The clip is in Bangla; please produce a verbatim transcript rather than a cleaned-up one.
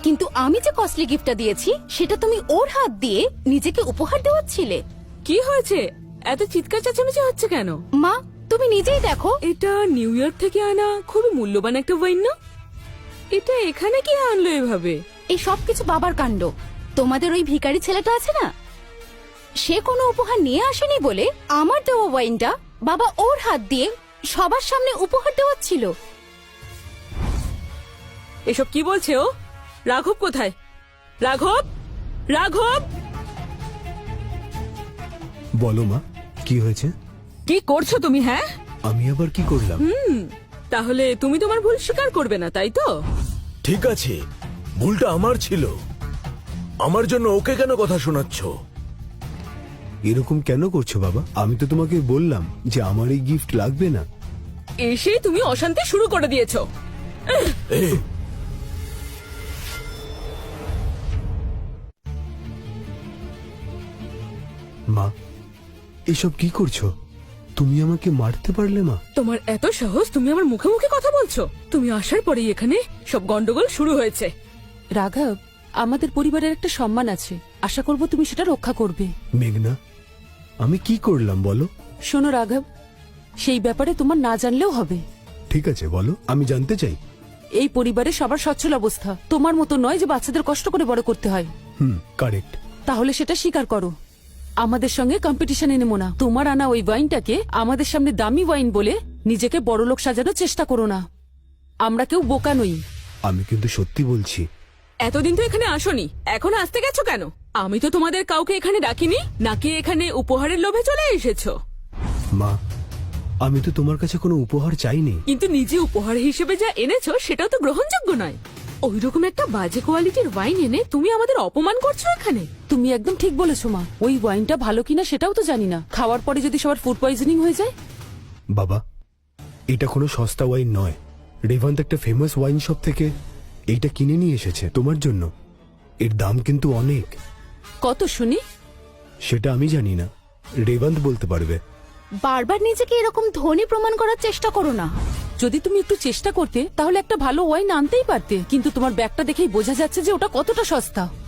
কিন্তু আমি যে কস্টলি গিফটটা দিয়েছি সেটা তুমি ওর হাত দিয়ে নিজেকে উপহার দেওয়াচ্ছিলে। কি হয়েছে? এত চিৎকার চেঁচামেচি হচ্ছে কেন? মা তুমি নিজেই দেখো। এটা নিউ ইয়র্ক থেকে আনা খুবই মূল্যবান একটা ওয়াইন না? এটা এখানে কি আনলো এভাবে? এই সবকিছু বাবার কাণ্ড। তোমাদের ওই ভিখারি ছেলেটা আছে না, সে কোনো উপহার নিয়ে আসেনি বলে আমার দেওয়া ওয়াইনটা বাবা ওর হাত দিয়ে সবার সামনে উপহার দেওয়াচ্ছিল। এসব কি বলছে ও? রাঘব কোথায়? রাঘব, রাঘব, বলো মা, কি হয়েছে? কি করছো তুমি? হ্যাঁ, আমি আবার কি করলাম? তাহলে তুমি তোমার ভুল স্বীকার করবে না, তাই তো? ঠিক আছে, ভুলটা আমার ছিল। আমার জন্য ওকে কেন কথা শোনাচ্ছ? এরকম কেন করছো বাবা? আমি তো তোমাকে বললাম যে আমার এই গিফট লাগবে না। এসে তুমি অশান্তি শুরু করে দিয়েছো। এ, মা, এসব কি করছো? তুমি আমাকে মারতে পারলে মা? তোমার এত সাহস, তুমি আমার মুখে মুখে কথা বলছো? তুমি আসার পরেই এখানে সব গন্ডগোল শুরু হয়েছে। রাঘব, আমাদের পরিবারের একটা সম্মান আছে, আশা করব তুমি সেটা রক্ষা করবে। মেঘনা, আমি কি করলাম বলো? শোনো রাঘব, সেই ব্যাপারে তোমার না জানলেও হবে। ঠিক আছে বলো, আমি জানতে চাই। এই পরিবারে সবার সচ্ছল অবস্থা, তোমার মতো নয় যে বাচ্চাদের কষ্ট করে বড় করতে হয়। হুম, কারেক্ট। তাহলে সেটা স্বীকার করো। আমাদের সঙ্গে কম্পিটিশনে নেমো না। তোমার আনা ওই ওয়াইনটাকে আমাদের সামনে দামি ওয়াইন বলে নিজেকে বড়লোক সাজানোর চেষ্টা করো না। আমরা কেউ বোকা নই। আমি কিন্তু সত্যি বলছি। এতদিন তো এখানে আসোনি, এখন আসতে গেছো কেন? আমি তো তোমাদের কাউকে এখানে ডাকিনি, নাকি এখানে উপহারের লোভে চলে এসেছো? মা, আমি তো তোমার কাছে কোনো উপহার চাইনি। কিন্তু নিজে উপহার হিসেবে যা এনেছো সেটাও তো গ্রহণযোগ্য নয়। ওইরকম একটা বাজে কোয়ালিটির ওয়াইন এনে তুমি আমাদের অপমান করছো এখানে। তুমি একদম ঠিক বলেছো মা। ওই ওয়াইনটা ভালো কিনা সেটাও তো জানি না। খাওয়ার পরে যদি সবার ফুড পয়জনিং হয়ে যায়? বাবা, এটা কোনো সস্তা ওয়াইন নয়। রেভান্ত একটা ফেমাস ওয়াইন শপ থেকে এইটা কিনে নিয়ে এসেছে তোমার জন্য। এর দাম কিন্তু অনেক। কত শুনি? সেটা আমি জানি না, রেভান্ত বলতে পারবে। বারবার নিজেকে এরকম ধনী প্রমাণ করার চেষ্টা করো না। যদি তুমি একটু চেষ্টা করতে তাহলে একটা ভালো ওয়াইন আনতেই পারতে, কিন্তু তোমার ব্যাগটা দেখেই বোঝা যাচ্ছে যে ওটা কতটা সস্তা।